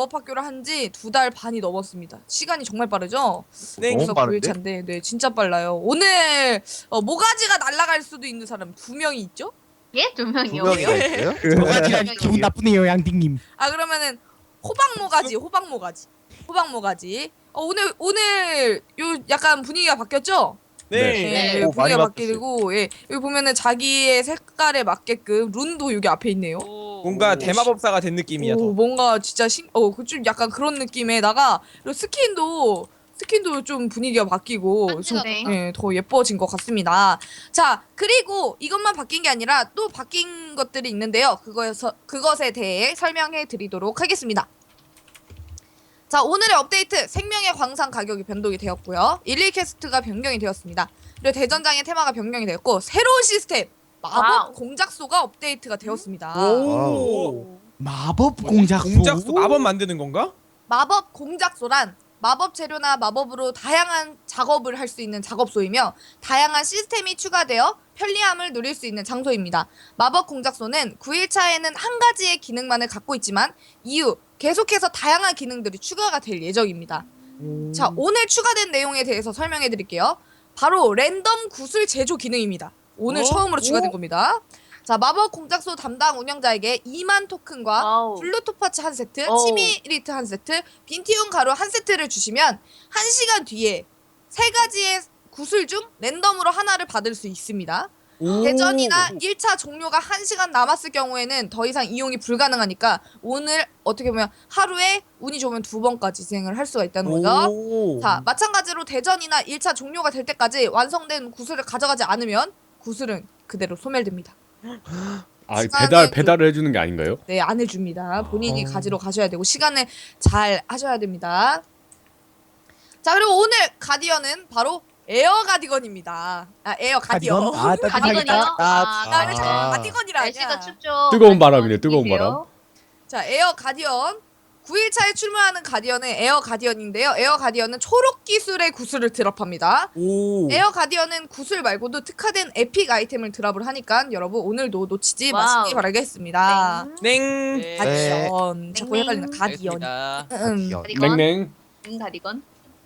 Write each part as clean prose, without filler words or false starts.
마법학교를 한 지 2달 반이 넘었습니다. 시간이 정말 빠르죠? 네. 너무 빠른데? 9일차인데 네 진짜 빨라요. 오늘 모가지가 날아갈 수도 있는 사람 2명이 있죠? 예? 두 두 명이요? 명이나 왜요? 있어요? 모가지가 기분 나쁘네요, 양띵님. 아 그러면은 호박모가지. 오늘 요 약간 분위기가 바뀌었죠? 네. 네. 오, 많이 분위기가 바뀌었어요. 바뀌고 예 여기 보면은 자기의 색깔에 맞게끔 룬도 여기 앞에 있네요. 뭔가 오. 대마법사가 된 느낌이야. 오, 더. 뭔가 진짜 좀 약간 그런 느낌에다가 그리고 스킨도 좀 분위기가 바뀌고 좀 네. 예, 더 예뻐진 것 같습니다. 자, 그리고 이것만 바뀐 게 아니라 또 바뀐 것들이 있는데요. 그것에 대해 설명해 드리도록 하겠습니다. 자, 오늘의 업데이트 생명의 광산 가격이 변동이 되었고요. 11캐스트가 변경이 되었습니다. 그리고 대전장의 테마가 변경이 되었고 새로운 시스템 마법 와우. 공작소가 업데이트가 되었습니다. 오. 마법 공작소. 공작소 마법 만드는 건가? 마법 공작소란 마법 재료나 마법으로 다양한 작업을 할 수 있는 작업소이며 다양한 시스템이 추가되어 편리함을 누릴 수 있는 장소입니다. 마법 공작소는 9일차에는 한 가지의 기능만을 갖고 있지만 이후 계속해서 다양한 기능들이 추가가 될 예정입니다. 자, 오늘 추가된 내용에 대해서 설명해 드릴게요. 바로 랜덤 구슬 제조 기능입니다. 오늘 처음으로 추가된 겁니다. 자, 마법 공작소 담당 운영자에게 2만 토큰과 와우. 블루토파츠 한 세트, 어우. 치미리트 한 세트, 빈티움 가루 한 세트를 주시면 1시간 뒤에 3가지의 구슬 중 랜덤으로 하나를 받을 수 있습니다. 오. 대전이나 1차 종료가 1시간 남았을 경우에는 더 이상 이용이 불가능하니까 오늘 어떻게 보면 하루에 운이 좋으면 2번까지 진행을 할 수가 있다는 거죠. 오. 자, 마찬가지로 대전이나 1차 종료가 될 때까지 완성된 구슬을 가져가지 않으면 구슬은 그대로 소멸됩니다. 아 시간을 배달을 해주는 게 아닌가요? 네, 안 해줍니다. 본인이 가지러 가셔야 되고 시간을 잘 하셔야 됩니다. 자, 그리고 오늘 가디언은 바로 에어 가디건입니다. 아, 에어 가디언. 가디건? 아, 가디건이요? 따뜻하겠다. 나 왜 자꾸 아. 가디건이라 날씨가 하냐. 춥죠. 뜨거운 바람이네, 뜨거운 바람. 자, 에어 가디언. 9일차에 출몰하는 가디언은 에어 가디언인데요. 에어 가디언은 초록 기술의 구슬을 드랍합니다. 오. 에어 가디언은 구슬 말고도 특화된 에픽 아이템을 드랍을 하니까 여러분 오늘도 놓치지 와우. 마시기 바라겠습니다. 냉. 네. 가디언. 자꾸 헷갈리는 가디언. 알겠습니다. 가디건. 냉냉. 가디건.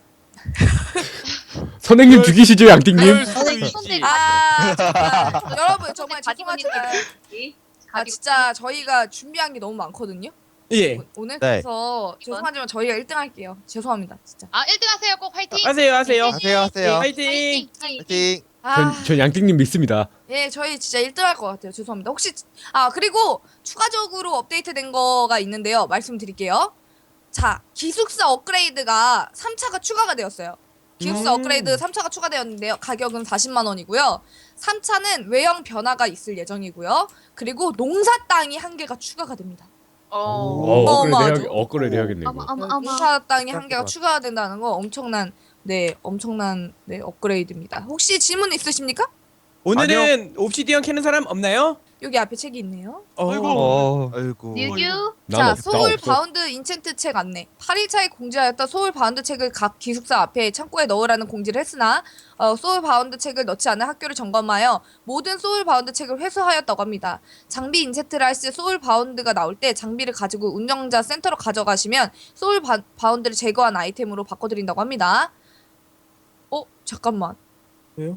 선생님 죽이시죠 양띵님? 그럴 수 선생님, 있지. 손대 정말, 여러분 정말 가디건이 죄송하지만 진짜 저희가 준비한 게 너무 많거든요. 예. 오늘 네. 그래서 죄송하지만 저희가 1등 할게요. 죄송합니다 진짜. 아 1등 하세요. 꼭 화이팅. 하세요. 하세요. 화이팅. 파이팅. 전 양띵님 믿습니다. 예, 저희 진짜 1등 할 것 같아요. 죄송합니다. 혹시 그리고 추가적으로 업데이트된 거가 있는데요. 말씀드릴게요. 자, 기숙사 업그레이드가 3차가 추가가 되었어요. 기숙사 업그레이드 3차가 추가되었는데요. 가격은 40만 원이고요. 3차는 외형 변화가 있을 예정이고요. 그리고 농사 땅이 1개가 추가가 됩니다. 어마어마하죠. 업그레이드 해야겠네 이거. 농사 땅이 1개가 그렇구나. 추가가 된다는 거 엄청난 업그레이드입니다. 혹시 질문 있으십니까? 오늘은 옵시디언 캐는 사람 없나요? 여기 앞에 책이 있네요. 아이고. 뉴규. 난 자, 없다, 소울 없어. 바운드 인챈트 책 안내. 8일차에 공지하였던 소울 바운드 책을 각 기숙사 앞에 창고에 넣으라는 공지를 했으나 소울 바운드 책을 넣지 않은 학교를 점검하여 모든 소울 바운드 책을 회수하였다고 합니다. 장비 인챈트를 할 시 소울 바운드가 나올 때 장비를 가지고 운영자 센터로 가져가시면 소울 바운드를 제거한 아이템으로 바꿔드린다고 합니다. 잠깐만. 왜요?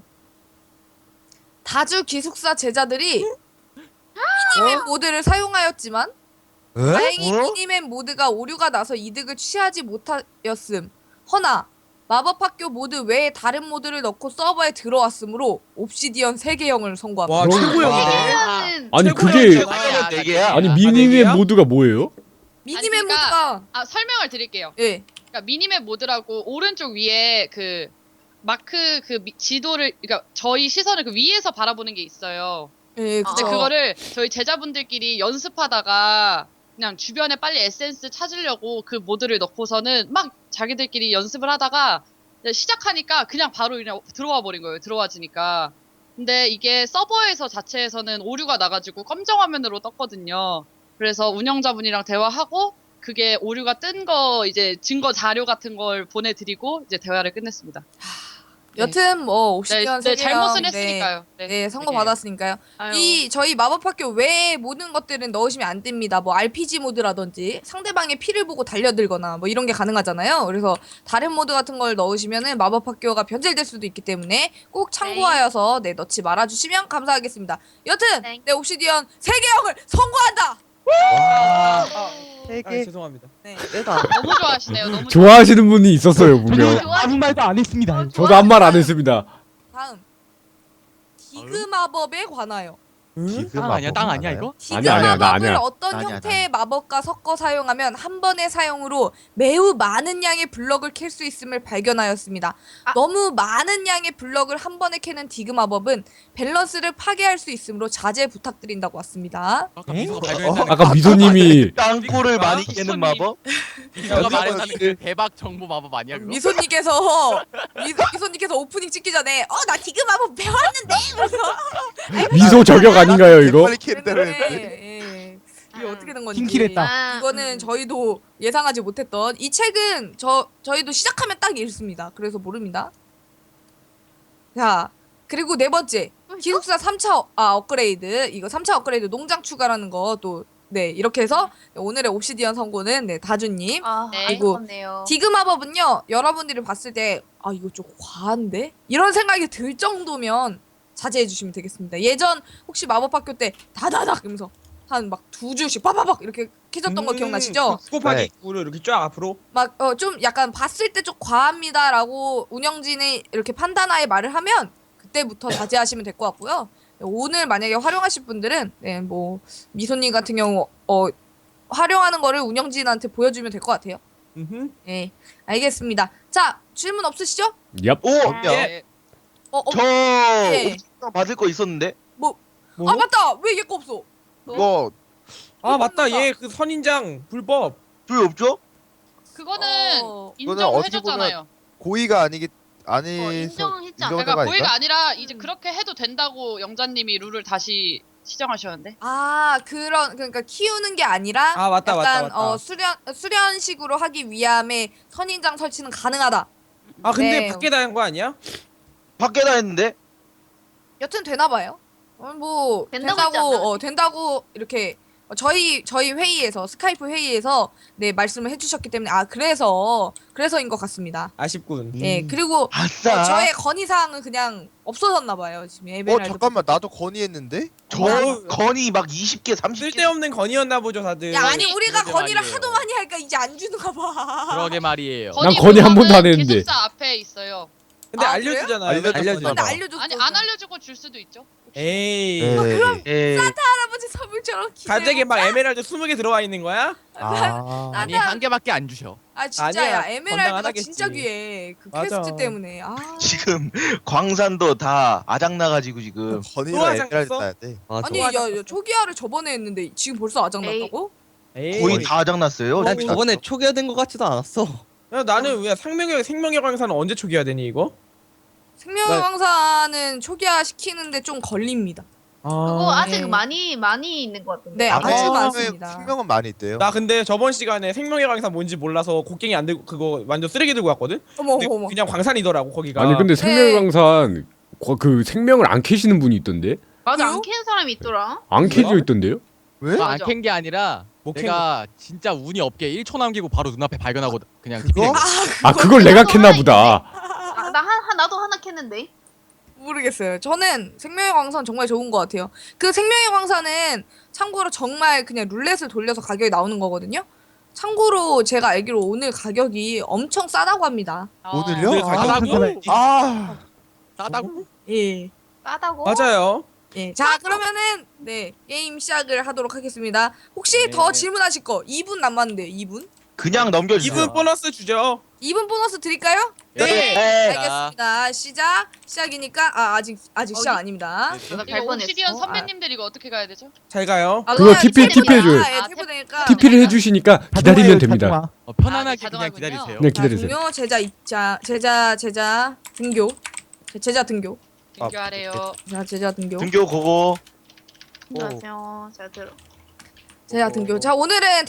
다주 기숙사 제자들이 미니맵 모드를 사용하였지만 다행히 미니맵 모드가 오류가 나서 이득을 취하지 못하였음. 허나 마법학교 모드 외에 다른 모드를 넣고 서버에 들어왔으므로 옵시디언 3개형을 선고합니다. 와 그럼- 최고였네. 아니 최고야, 그게 최고야. 네 개야. 아니 네 미니맵 개야? 모드가 뭐예요? 미니맵 아니, 그러니까- 모드가 아 설명을 드릴게요. 예. 그러니까 미니맵 모드라고 오른쪽 위에 그 마크 지도를 그러니까 저희 시선을 그 위에서 바라보는 게 있어요. 예, 근데 그쵸. 그거를 저희 제자분들끼리 연습하다가 그냥 주변에 빨리 에센스 찾으려고 그 모드를 넣고서는 막 자기들끼리 연습을 하다가 시작하니까 그냥 바로 그냥 들어와 버린 거예요. 들어와지니까. 근데 이게 서버에서 자체에서는 오류가 나가지고 검정 화면으로 떴거든요. 그래서 운영자분이랑 대화하고 그게 오류가 뜬 거 이제 증거 자료 같은 걸 보내드리고 이제 대화를 끝냈습니다. 여튼 뭐 옵시디언 네, 세계형 잘못은 했으니까요. 네, 선거 되게. 받았으니까요. 아유. 이 저희 마법학교 외에 모든 것들은 넣으시면 안 됩니다. 뭐 RPG 모드라든지 상대방의 피를 보고 달려들거나 뭐 이런 게 가능하잖아요. 그래서 다른 모드 같은 걸 넣으시면은 마법학교가 변질될 수도 있기 때문에 꼭 참고하여서 네 넣지 말아주시면 감사하겠습니다. 여튼 네. 네 옵시디언 세계형을 선고한다. 와. 세 아, 개. 죄송합니다. 네. 빼다. 너무 좋아하시네요. 너무 좋아하시는 분이 있었어요 분명. 좋아. 아무 말도 안 했습니다. 저도 한 말 안 했습니다. 다음 디그 마법에 관하여. 땅 아니야, 땅 아니야 이거? 디그 아니야, 아니야, 나 마법을 아니야. 어떤 아니야, 형태의 마법과 섞어 사용하면 한 번의 사용으로 매우 많은 양의 블럭을 캘 수 있음을 발견하였습니다. 아. 너무 많은 양의 블럭을 한 번에 캐는 디그 마법은 밸런스를 파괴할 수 있으므로 자제 부탁드린다고 왔습니다. 아까 에? 미소가 발견했다는 아까 미소님이 땅굴을 많이 손님. 깨는 마법? 미소가 말했다는 그 대박 정보 마법 아니야 그거? 미소님께서 오프닝 찍기 전에 나 디그 마법 배웠는데 그래서 미소 저격 아닌가요 이거? 빨리 캔들을. 예. 이게 어떻게 된 건지 팀킬했다. 아, 이거는 저희도 예상하지 못했던 이 책은 저희도 시작하면 딱 읽습니다. 그래서 모릅니다. 자, 그리고 네 번째 기숙사 3차 업그레이드. 이거 3차 업그레이드 농장 추가라는 거 또 네, 이렇게 해서 오늘의 옵시디언 선고는 네, 다주님. 아, 네. 그리고 아쉽네요. 디그 마법은요. 여러분들이 봤을 때 이거 좀 과한데? 이런 생각이 들 정도면 자제해 주시면 되겠습니다. 예전 혹시 마법학교 때 다다닥 이러면서 한 막 두 줄씩 빠바박 이렇게 캐졌던 거 기억나시죠? 곱하기 네. 9를 이렇게 쫙 앞으로. 막 좀 약간 봤을 때 좀 과합니다라고 운영진이 이렇게 판단하에 말을 하면 그때부터 자제하시면 될 것 같고요. 오늘 만약에 활용하실 분들은 네, 뭐 미소님 같은 경우 활용하는 거를 운영진한테 보여주면 될 것 같아요. 네, 알겠습니다. 자, 질문 없으시죠? 얍. 오! 예. 저 예. 옵션 받을 거 있었는데? 뭐? 아 맞다, 왜 얘 거 없어? 이거 아 맞다. 얘 그 선인장 불법. 왜 없죠? 그거는 어. 이거는 인정을 어떻게 해줬잖아요. 고의가 아니 인정했지 않아요? 그러니까 고의가 아니라 이제 음. 그렇게 해도 된다고 영자님이 룰을 다시 시정하셨는데. 그러니까 키우는 게 아니라 아, 맞다, 약간 맞다, 맞다. 수련식으로 하기 위함에 선인장 설치는 가능하다. 아 근데 네. 밖에 다한 거 아니야? 밖에 다 했는데? 여튼 되나 봐요. 뭐 된다고 했지 된다고 않나? 된다고 이렇게 저희 회의에서 스카이프 회의에서 네 말씀을 해주셨기 때문에 그래서인 것 같습니다. 아쉽군. 네 그리고 아싸! 저의 건의 사항은 그냥 없어졌나 봐요 지금 에메랄드. 잠깐만 나도 건의했는데. 저 어. 건이 막 20개, 30개. 쓸데없는 건이었나 보죠 다들. 야 아니 우리가 그러게 건의를 말이에요. 하도 많이 하니까 이제 안 주는가 봐. 그러게 말이에요. 난 건의 한 번도 안 했는데. 기숙사 앞에 있어요. 근데 아, 알려주잖아요. 알려줬어. 근데 알려줬어. 아니 안 알려주고 줄 수도 있죠. 에이. 예. 할아버지 선물처럼 기대. 가족에 막 에메랄드 20개 들어와 있는 거야? 아니 한 개밖에 안 주셔. 아 진짜야 아니야, 에메랄드가 건강하겠지. 진짜 귀해 그 맞아. 퀘스트 때문에. 지금 광산도 다 아작나가지고 지금. 건의가 소화장 에메랄드 써? 따야 돼. 아니 야 초기화를 저번에 했는데 지금 벌써 아작났다고? 에이. 거의 다 아작났어요. 난 저번에 초기화된 것 같지도 않았어. 야, 나는 왜 생명의 광산은 언제 초기화 되니 이거? 생명왕사는 초기화 시키는데 좀 걸립니다. 그거 아직 네. 많이 있는 것 같은데. 네 아주 생명은- 많습니다. 생명은 많이 있대요. 나 근데 저번 시간에 생명의 광산 뭔지 몰라서 곡괭이 안 들고 그거 완전 쓰레기 들고 왔거든? 어머 근데 어머. 그냥 광산이더라고 거기가. 아니 근데 네. 생명강산 그 생명을 안 캐시는 분이 있던데? 맞아 그래요? 안 캐는 사람이 있더라. 안 캐져 있던데요? 왜? 안 캔 게 아니라 못 캔 내가 진짜 운이 없게 1초 남기고 바로 눈앞에 발견하고 그냥 그거? TP 된 거. 아 그걸 내가 캤나 보다. 나도 하나 캤는데. 모르겠어요. 저는 생명의 광산 정말 좋은 것 같아요. 그 생명의 광산은 참고로 정말 그냥 룰렛을 돌려서 가격이 나오는 거거든요. 참고로 제가 알기로 오늘 가격이 엄청 싸다고 합니다. 오늘요? 오늘 아, 가격이? 아, 싸다고? 예. 싸다고? 맞아요. 예. 자, 그러면은 네, 게임 시작을 하도록 하겠습니다. 혹시 네. 더 질문하실 거 2분 남았는데요. 2분? 그냥 넘겨주세요. 2분 보너스 주죠. 2분 보너스 드릴까요? 네. 알겠습니다. 시작이니까 아직 시작 아닙니다. 내가 이거 갈 뻔했어. 옵시디언 선배님들 이거 어떻게 가야 되죠? 잘 가요. 아, 그거 그냥 TP 탭입니다. 해줘요. 예, 아, 탭 되니까. TP를 해주시니까 기다리면 됩니다. 편안하게 아, 그냥 자동화군요. 기다리세요. 네 자, 기다리세요. 동료 제자 입자 제자 등교. 제자 등교. 등교하래요. 자, 제자 등교. 등교 고고. 안녕하세요. 잘 들어. 제자 등교. 자, 오늘은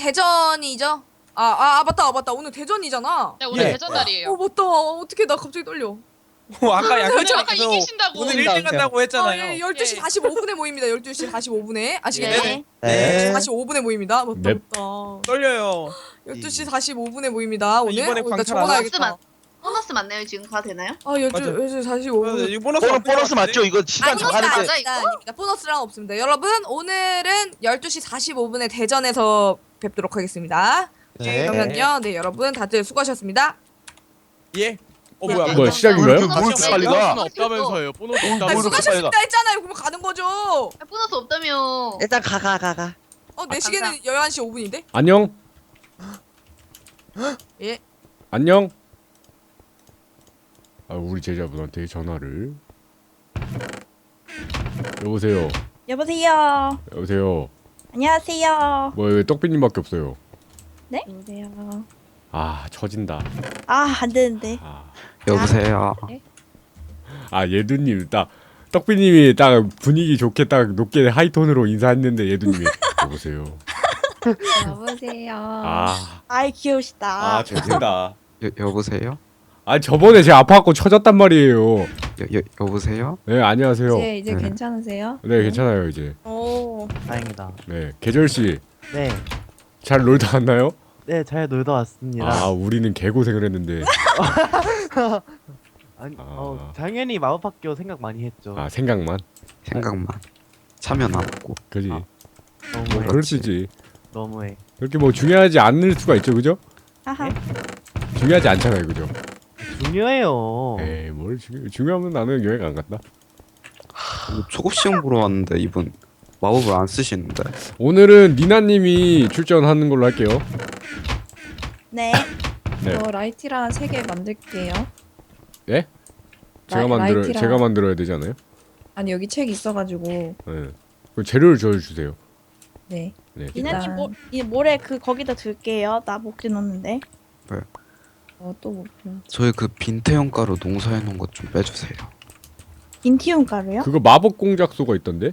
대전이죠? 맞다. 오늘 대전이잖아. 네 오늘 예. 대전 날이에요. 맞다. 어떻게 나 갑자기 떨려. 아까 저는 양팀장님께서 아까 이기신다고. 오늘 1등 한다고 했잖아요. 예, 12시 예. 45분에 모입니다. 12시 45분에. 아시겠네? 네. 12시 45분에 모입니다. 맞다, 넵. 맞다. 떨려요. 12시 45분에 모입니다. 오늘. 이번에 일단 광탈 적어놔야겠다. 보너스 맞나요? 지금 가도 되나요? 아, 12시 맞아. 45분. 이거 보너스 보너스 맞죠? 이거 시간 정하는데. 맞아, 이거? 아닙니다. 보너스랑 없습니다. 여러분, 오늘은 12시 45분에 대전에서 뵙도록 하겠습니다. 네. 그러면요. 네, 여러분 다들 수고하셨습니다. 예. 뭐야? 뭐야, 시작인가요? 뭘 이렇게 빨리 가? 보너스는 없다면서요. 보너스 아, 없다면서. 수고하셨습니다 했잖아요. 그러면 가는 거죠. 아, 보너스 없다며. 일단 가. 내 시계는 11시 5분인데? 안녕. 예. 안녕. 아, 우리 제자분한테 전화를. 여보세요. 여보세요. 여보세요. 안녕하세요. 뭐 왜 떡비님밖에 없어요? 네? 여보세요. 아, 처진다. 아, 안 되는데. 아, 여보세요. 아 예두님 딱 떡비님이 딱 분위기 좋게 딱 높게 하이톤으로 인사했는데 예두님이 여보세요. 여보세요. 아, 아이, 귀여우시다. 아 처진다. 여보세요. 아 저번에 제가 아파갖고 처졌단 말이에요. 여보세요. 네 안녕하세요. 이제 네. 괜찮으세요? 네 괜찮아요 이제. 오. 다행이다. 네 계절 씨. 네. 잘 놀다 왔나요? 네, 잘 놀다 왔습니다. 아 우리는 개고생을 했는데. 아니, 아. 당연히 마법학교 생각 많이 했죠. 아 생각만. 생각만. 참여는 안 하고. 그지. 아, 뭐 너무해. 그럴 수 있지. 너무해. 그렇게 뭐 중요하지 않을 수가 있죠, 그죠? 하하. 중요하지 않잖아요, 그죠? 중요해요. 에이 뭘 중요하면 나는 여행 안 간다. 초급 시험 보러 왔는데 이분 마법을 안 쓰시는데. 오늘은 니나님이 출전하는 걸로 할게요. 네. 네. 라이티라 3개 만들게요. 예? 라이티랑- 제가 만들어야 되지 않아요? 아니, 여기 책 있어가지고. 네. 그 재료를 저 주세요. 네. 네. 이나님, 모래 거기다 둘게요. 나 목재 넣는데. 네. 또 목재. 저희 그 빈태형 가루 농사해 놓은 것 좀 빼주세요. 인티움 가루요? 그거 마법 공작소가 있던데?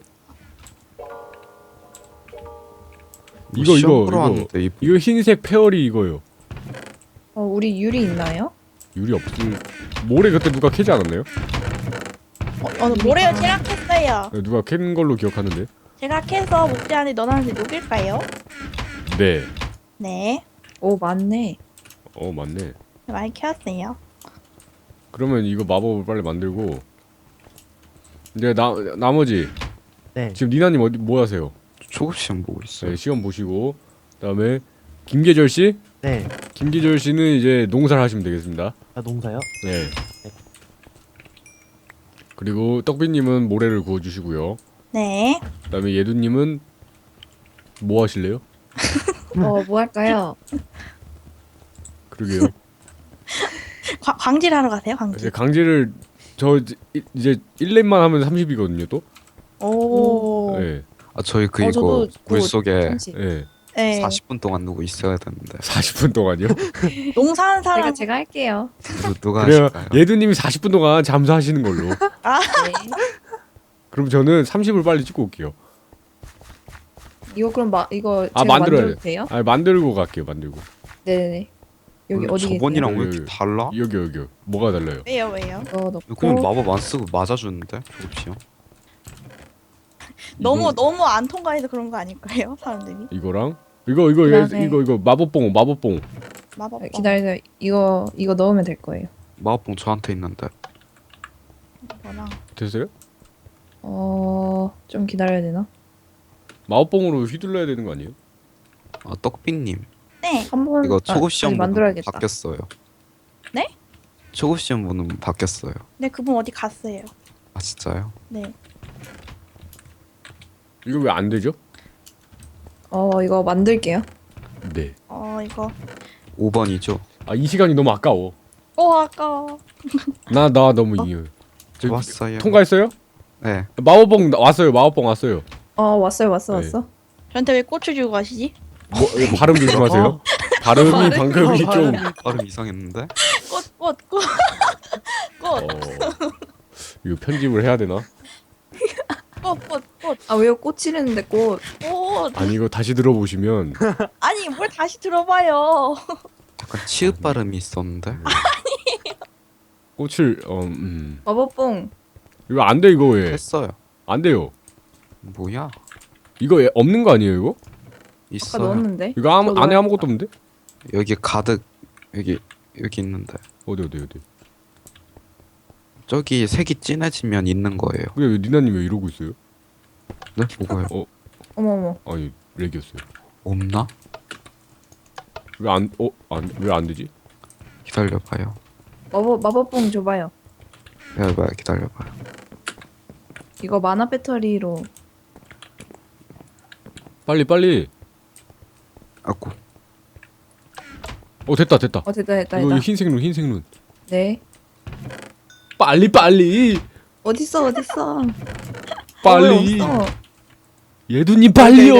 이거 시험 보러 왔는데 이거 흰색 페어리 이거요. 우리 유리 있나요? 유리 없을. 모래 그때 누가 캐지 않았나요? 모래요. 제가 캤어요. 네, 누가 캔 걸로 기억하는데. 제가 캐서 목재 안에 넣어놨는데 녹일까요? 네. 네. 오, 맞네. 맞네. 많이 캐왔어요. 그러면 이거 마법을 빨리 만들고. 이제 나머지 네. 지금 니나님 뭐 하세요? 초급 시험 보고 있어요. 네, 시험 보시고 그다음에 김계절 씨, 네. 김계절 씨는 이제 농사를 하시면 되겠습니다. 아, 농사요? 네. 그리고 떡비님은 모래를 구워주시고요. 네. 그다음에 예두님은 뭐 하실래요? 뭐 할까요? 그러게요. 광질하러 가세요, 광질. 이제 강제를 이제 1렙만 하면 30이거든요, 또. 오. 네. 아 저희 그 저도 이거 물 속에 네. 네. 40분 동안 누구 있어야 되는데. 40분 동안요. 농사하는 사람 제가 할게요. 누가 그래요. 하실까요? 예두님이 40분 동안 잠수하시는 걸로. 아, 그럼 저는 30을 빨리 찍고 올게요. 이거 그럼 이거 아, 제가 만들어야 만들어도 돼요? 아, 만들고 갈게요. 만들고. 네네네. 여기 어디 계세요? 저번이랑 왜 계세요? 이렇게 달라? 여기. 뭐가 달라요? 왜요? 이거 넣고 그냥 마법 안 쓰고 맞아주는데 초급 시험. 너무 안 통과해서 그런 거 아닐까요? 사람들이. 이거랑 그다음에- 이거 마법봉. 마법. 기다리세요. 이거 넣으면 될 거예요. 마법봉 저한테 있는데. 뭐랑 됐어요? 좀 기다려야 되나? 마법봉으로 휘둘러야 되는 거 아니에요? 아 떡비님 네. 한번 이거 초급 시험 번호 만들어야겠다. 바뀌었어요. 네? 초급 시험 번호 바뀌었어요. 네, 그분 어디 갔어요? 아 진짜요? 네. 이거 왜 안 되죠? 이거 만들게요. 네. 이거. 5번이죠. 아, 이 시간이 너무 아까워. 아까워. 나 너무 이유. 왔어요. 통과했어요? 네. 마법봉 왔어요. 왔어. 네. 저한테 왜 꽃을 주고 가시지? 발음 조심하세요. 발음이 방금이 좀 발음 이상했는데? 꽃. 이거 편집을 해야 되나? 꽃. 아, 왜요? 꽃이랬는데 꽃. 아니 이거 다시 들어보시면 아니, 뭘 다시 들어봐요. 약간 치읍 발음이 있었는데. 꽃을 마법봉. 이거 안 돼 이거 왜? 했어요. 안 돼요. 뭐야? 이거 없는 거 아니에요 이거? 아까 있어요. 넣었는데. 이거 안에 아무것도 없는데? 여기 가득 여기 있는데. 어디. 저기 색이 진해지면 있는 거예요. 왜 니나님 왜 이러고 있어요? 네? 뭐가요? 어머. 아니 렉이었어요. 없나? 왜 안 되지? 기다려봐요. 마법봉 줘봐요. 기다려봐요. 이거 만화 배터리로. 빨리. 아고. 됐다. 됐다. 이거 흰색 눈. 네. 빨리. 어딨어? 빨리. 없어. 예두님 빨리요.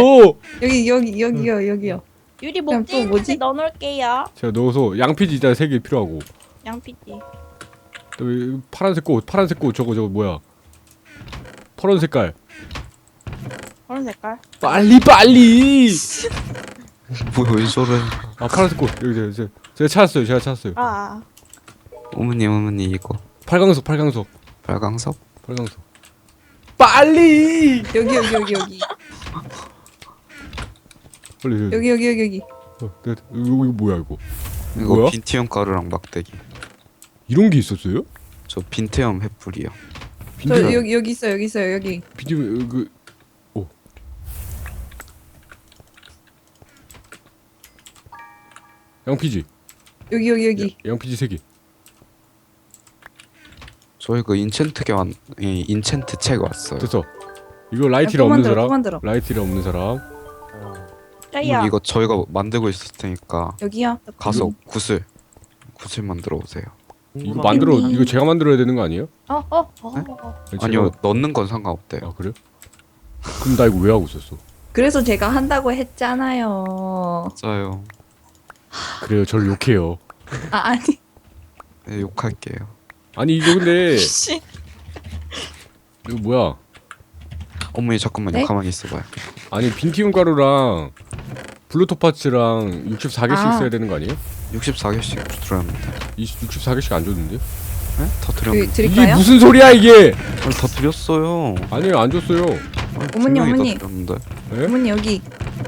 여기요. 유리 그럼 또 뭐지? 넣어놓을게요. 제가 넣어서 양피지 일단 3개 필요하고. 양피띠. 또 파란색 꽃 저거 뭐야? 파란 색깔. 그런 색깔. 빨리. 뭐야 왜 저래? 아 파란색 꽃 여기 제가 찾았어요. 아. 어머니 이거 팔강석. 빨강석? 빨리. 여기. 빨리. 여기. 이거 뭐야 이거? 이거 뭐야? 빈티엄 가루랑 막대기. 이런 게 있었어요? 저 빈티엄 횃불이요. 저 여기 있어요. 여기. 비디오 양피지. 여기. 양피지 3개. 저희 그 인챈트 책 왔어요. 됐어. 이거 라이트를 또 없는 만들어, 사람? 또 만들어. 라이트를 없는 사람? 짜야. 이거 저희가 만들고 있을 테니까 여기요. 가서 구슬 만들어 오세요. 이거 만들어 이거 제가 만들어야 되는 거 아니에요? 아니요 넣는 건 상관없대요. 아 그래? 그럼 나 이거 왜 하고 있었어? 그래서 제가 한다고 했잖아요. 맞아요. 그래요, 저를 욕해요. 아니. 네, 욕할게요. 아니 이거 근데 이거 뭐야? 어머니 잠깐만요. 네? 가만히 있어봐요. 아니 빈티움 가루랑 블루토파츠랑 64개씩 써야 되는 거 아니에요? 64개씩 들었는데. 64개씩 안 줬는데? 네? 다 드렸는데. 이게 드릴까요? 무슨 소리야 이게? 아니 다 드렸어요. 아니요 안 줬어요. 어머니, 분명히 어머니. 다 드렸는데. 네? 어머니 여기.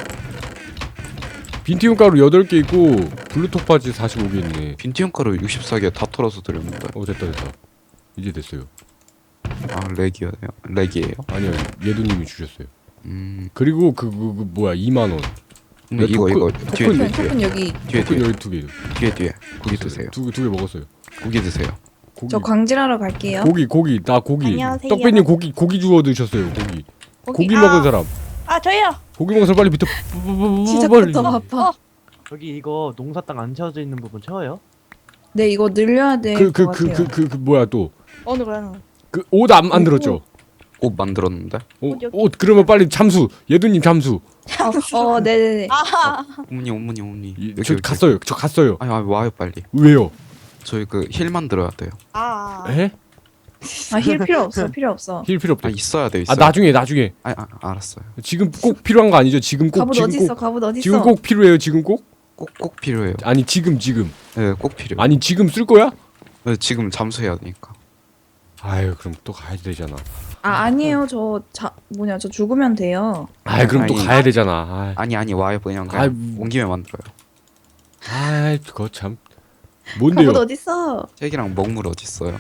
빈티움 가루 8개 있고 블루토파츠 45개 있네. 빈티엄 가루 64개 다 털어서 드렸는데. 됐다. 이제 됐어요. 아 렉이에요? 아니요 예두님이 주셨어요. 그리고 그리고 그 뭐야 2만 원. 이거 뒤에 토큰 여기. 뒤에 토큰 여기 2개. 뒤에 고기 드세요. 두 개 먹었어요. 고기 드세요. 고기. 저 광질하러 갈게요. 고기 나 고기. 안녕하세요. 떡배님 고기 주워 드셨어요. 고기 먹은 사람. 아 저요. 고기 먹은 사람 빨리 밑에 시작부터 바빠. 저기 이거 농사 땅 안 채워져 있는 부분 채워요? 네, 이거 늘려야 될 것 같아요. 그 뭐야 또 어느 거는. 그 옷 안 만들었죠? 옷 만들었는데. 옷 그러면 빨리 잠수. 예두님 잠수. 네네네. 아. 어머니. 저 갔어요. 아니 와요 빨리. 왜요? 저희 그 힐 만들어야 돼요. 아. 에? 힐 필요 없어. 힐 필요 없대. 아 있어야 돼요. 아 나중에. 알았어요. 지금 꼭 필요한 거 아니죠? 지금 꼭 갑옷 어딨어? 갑옷 어딨어? 지금 꼭 필요해요. 지금 꼭? 꼭 필요해요. 아니 지금. 네, 꼭 필요해요. 아니 지금 쓸 거야? 네, 지금 잠수해야 되니까. 아유 그럼 또 가야 되잖아. 아니에요. 저 죽으면 돼요. 아이 그럼 또 아니. 가야 되잖아. 아니 와요 그냥 아이, 온 김에 만들어요. 아이 그거 참. 뭔데요? 갑옷 어딨어? 책이랑 먹물 어디 있어요?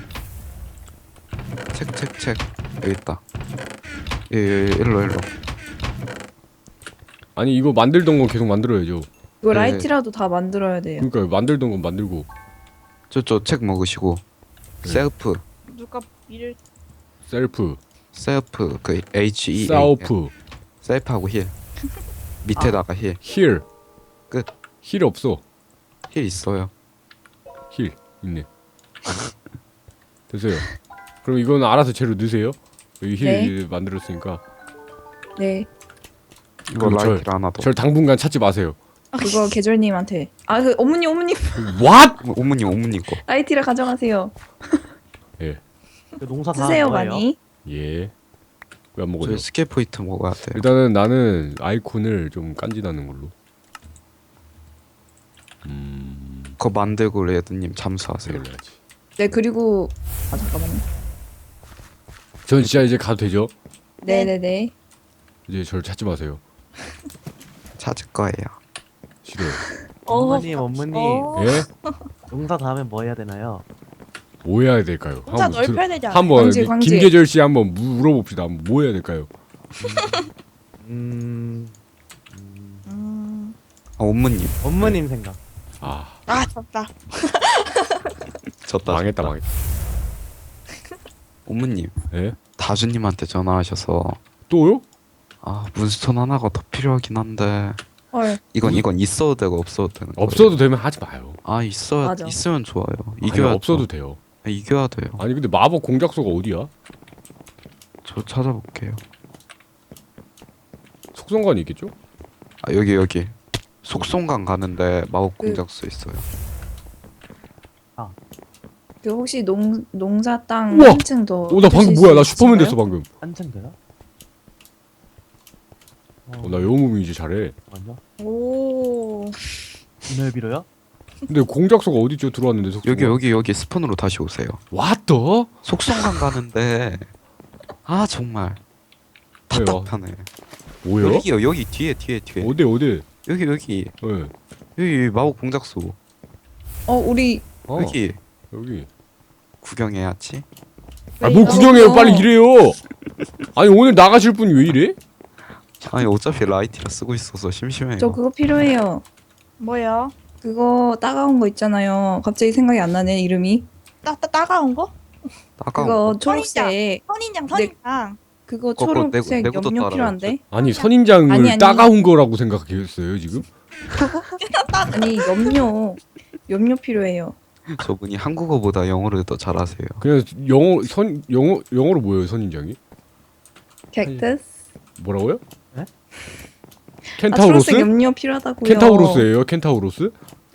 책 여기 있다. 일로. 아니 이거 만들던 건 계속 만들어야죠. 이거 네. 라이트라도 다 만들어야 돼요. 그러니까 만들던 건 만들고. 저 책 먹으시고. 네. 셀프 누가 일을. 셀프 그 HE 사우프 셀프하고 힐 밑에다가 힐 힐 끝. 힐 없어. 힐 있어요. 힐 있네. 됐어요. 그럼 이거는 알아서 재료 넣으세요. 여기 힐 네. 만들었으니까. 네. 이거 그럼 라이트를 하나 더. 절 당분간 찾지 마세요. 그거 계절님한테. 그 어머니 What? 어머니 거. 라이트를 가져가세요. 그 농사 다 쓰세요 뭐예요? 많이. 예. 왜 안 먹어요? 저희 스킬 포인트 먹어야 돼요. 일단은 나는 아이콘을 좀 깐지나는 걸로. 그거 만들고 레드님 잠수하세요. 그래야지. 네 그리고 잠깐만요. 전 진짜 이제 가도 되죠? 네네네. 이제 저를 찾지 마세요. 찾을 거예요. 싫어요. 어머님 어머님 예? 농사 다음에 뭐 해야 되나요? 뭐 해야 될까요? 혼자 넓혀야 되지 않아요? 한번 광질, 광질. 김계절 씨 한번 물어봅시다. 뭐 해야 될까요? 어머님. 어머님 생각. 아 아 졌다. 졌다. 망했다 졌다. 망했다. 어머님. 예? 다주님한테 전화하셔서 또요? 아 문스톤 하나가 더 필요하긴 한데 헐. 이건 있어도 되고 없어도 되는 거예요. 없어도 되면 하지 마요. 아 있어야 맞아. 있으면 좋아요. 아니, 이겨야 없어도 돼요. 이겨야 돼요. 아니 근데 마법 공작소가 어디야? 저 찾아볼게요. 속성관이 있겠죠? 아 여기 속성강 가는데 마법 공작소 있어요. 그 혹시 농사 땅 우와! 한층 더. 나 방금 주실 뭐야? 수 나 슈퍼맨 있을까요? 됐어 방금. 한층 되나? 나 영웅이 이제 잘해. 먼저 오. 오늘 빌어요? 근데 공작소가 어디죠? 들어왔는데 속성. 여기 스폰으로 다시 오세요. 왔더? 속성강 가는데 아 정말 왜요? 답답하네. 뭐요? 여기요 여기 뒤에 어디? 여기 예. 여기 마법 공작소 우리 어, 여기 여기. 구경해야지. 아, 뭐 구경해요? 이거- 빨리 일해요. 아니 오늘 나가실 분이 왜 이래? 아니 어차피 라이티라 쓰고 있어서 심심해요. 저 그거 필요해요. 뭐야? 그거 따가운 거 있잖아요. 갑자기 생각이 안 나네 이름이. 따가운 거? 따가운 그거 거. 초록색. 선인장 네. 선인장. 그거 그거 초록색 내구도 염료 따라야죠. 필요한데. 아니 선인장을 아니. 따가운 거라고 생각했어요 지금? 아니 염료 필요해요. 저분이 한국어보다 영어를 더 잘하세요. 그냥 영어로 뭐예요 선인장이? 객트스. 뭐라고요? 네? 켄타우로스? 초록색 염료 필요하다고요. 켄타우로스예요? 켄타우로스?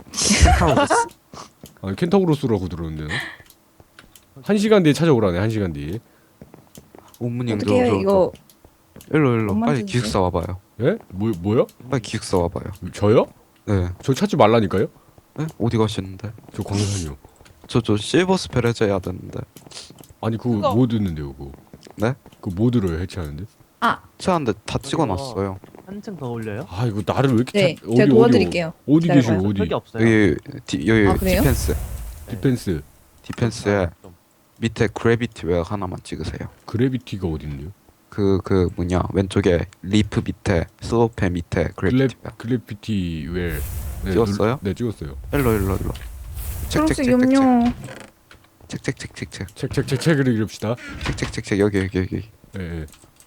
아니 켄타우로스라고 들었는데. 1시간 뒤에 찾아오라네. 1시간 뒤에. 어머님 어떻게 해요 이거? 일로 엄마한테 빨리 주세요. 기숙사 와봐요. 예? 뭐요? 빨리 기숙사 와봐요. 저요? 네. 저 찾지 말라니까요? 네? 어디 가시는데? 저 광산이요. 저 실버 스펠 해줘야 되는데. 아니 그거 그거. 뭐 듣는데요 그거? 네? 그거 뭐 들어요 해체하는데? 채한데 다 찍어놨어요. 한층 더 올려요? 아 이거 나를 왜 이렇게 네, 찾... 제가 도와드릴게요. 어디 기다려봐요. 계시고 어디? 흙이 없어요. 여기 아, 그래요? 디펜스. 디펜스에 좀. 밑에 그래비티 웨어 하나만 찍으세요. 그래비티가 어딨는데요? 그 뭐냐 왼쪽에 리프 밑에 슬로페 밑에 그래비티 웨어. 그래피티 웰. 네, 찍었어요? 네 찍었어요. 일로. 초록색 염료. 책책책책책 책을 읽읍시다. 책책책책 여기. 예. 예.